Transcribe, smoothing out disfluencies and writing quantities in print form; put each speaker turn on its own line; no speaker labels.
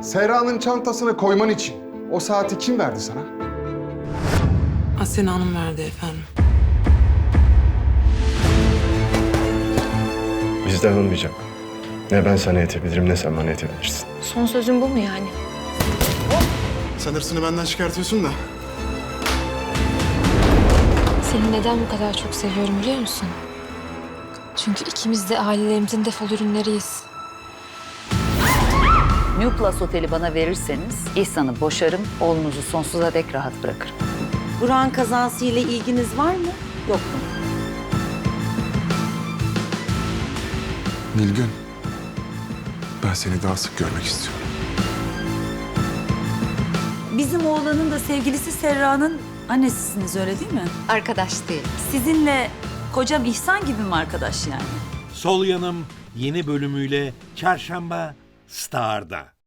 Serra'nın çantasına koyman için o saati kim verdi sana?
Asena Hanım verdi efendim.
Bizden olmayacak. Ne ben sana yetebilirim ne sen bana yetebilirsin.
Son sözün bu mu yani?
Sen hırsını benden çıkartıyorsun da.
Seni neden bu kadar çok seviyorum biliyor musun? Çünkü ikimiz de ailelerimizin defol ürünleriyiz.
New Plus Oteli bana verirseniz İhsan'ı boşarım, oğlunuzu sonsuza dek rahat bırakırım.
Burak'ın kazasıyla ilginiz var mı? Yok mu?
Nilgün, ben seni daha sık görmek istiyorum.
Bizim oğlanın da sevgilisi Serra'nın annesisiniz öyle değil mi?
Arkadaş değil.
Sizinle kocam İhsan gibi mi arkadaş yani?
Sol Yanım yeni bölümüyle Çarşamba Star'da.